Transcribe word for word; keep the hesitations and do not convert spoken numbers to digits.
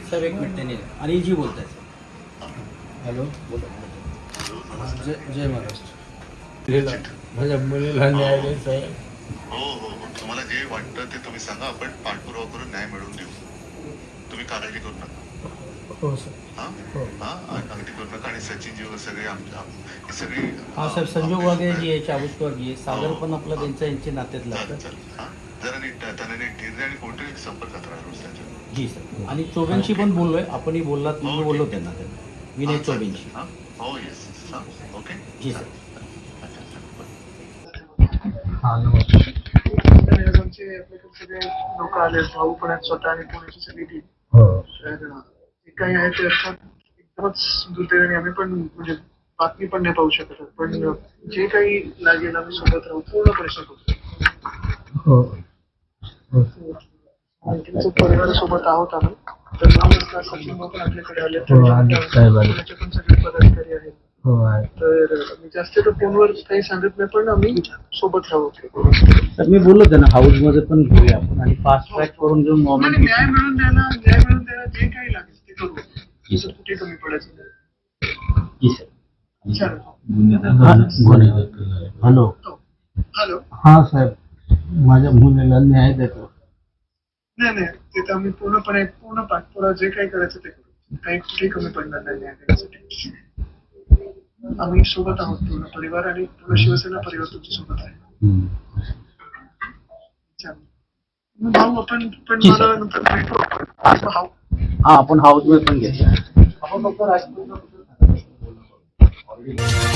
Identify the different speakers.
Speaker 1: साहेब एक मिनिट त्यांनी आणि जी बोलताय सर.
Speaker 2: हॅलो,
Speaker 1: बोला.
Speaker 2: जय जय महाराष्ट्र. माझ्या मुलीला न्याय द्यायचा आहे.
Speaker 3: हो हो हो तुम्हाला जे वाटतं ते तुम्ही सांगा. आपण पाठपुरावा करून न्याय मिळवून देऊ. तुम्ही काळजी करू नका.
Speaker 2: हो सर.
Speaker 3: हा
Speaker 2: हो.
Speaker 3: हा अगदी करू नका. आणि सचिनजी वगैरे सगळे आमच्या ही सगळी
Speaker 1: हा साहेब, संजोग वागे जी आहे, चाबुक वागे आहे, सागर पण आपलं त्यांच्या यांचे नात्यात
Speaker 3: चल
Speaker 1: लागतं.
Speaker 3: चल हा जरा नीट त्याने नीट धीर आणि कोणत्याही संपर्कात राहा रोज त्याच्या.
Speaker 1: जी सर. आणि चोबेंशी पण बोललोय, आपणही बोललात, मी बोललो त्यांना त्यांना विनय
Speaker 3: हा, चालेल.
Speaker 1: चोबेंशी.
Speaker 3: हा हो येस हा ओके
Speaker 1: जी सर.
Speaker 3: अच्छा अच्छा
Speaker 2: हा नमस्कार.
Speaker 4: आमचे आपल्याकडे सगळे लोक आले, भाऊ पुण्यात स्वतः आणि पुण्याची सगळी टीम.
Speaker 2: हो.
Speaker 4: तर जे काही आहे ते असतात एकदमच दुर्दैवाने आम्ही पण म्हणजे बातमी पण नाही पाहू शकत, पण जे काही लागेल आम्ही सोबत राहू, पूर्ण प्रयत्न करतो.
Speaker 2: हो. हो.
Speaker 4: आणखीनच परिवारासोबत आहोत आम्ही. तर म्हणूनच सचिन भाऊ पण आपल्याकडे आले,
Speaker 2: हो, आणि साहेब आले.
Speaker 4: पुण्याचे पण सगळे पदाधिकारी आहेत.
Speaker 2: हो आहे.
Speaker 4: तर मी जास्त तर फोनवर काही सांगत नाही, पण आम्ही सोबत राहू.
Speaker 1: तर मी बोललो त्यांना हाऊस मध्ये पण घेऊया आपण आणि फास्ट ट्रॅक करून घेऊन
Speaker 4: आणि
Speaker 1: मोमेंट.
Speaker 4: न्याय मिळून द्यायला न्याय मिळून द्यायला जे काही लागेल ते करू. जसं कुठे कमी पडायचं नाही.
Speaker 1: जी सर.
Speaker 4: चालेल.
Speaker 2: हॅलो.
Speaker 4: हॅलो.
Speaker 2: हा साहेब, माझ्या मुलीला न्याय देतो.
Speaker 4: नाही नाही, ते तर आम्ही पूर्णपणे पूर्ण पाठपुरावा जे काही करायचं ते करू. काही कुठे कमी पडणार नाही न्याय देण्यासाठी. आम्ही सोबत आहोत, पूर्ण परिवार आणि पूर्ण शिवसेना परिवार तुमच्या सोबत आहे. चालेल. भाऊ आपण पण
Speaker 1: जी,
Speaker 4: मला
Speaker 1: सर.
Speaker 4: नंतर भेटू आपण. भाऊ
Speaker 1: हा आपण हाऊस मध्ये पण घेतला.
Speaker 2: आपण फक्त राजपूत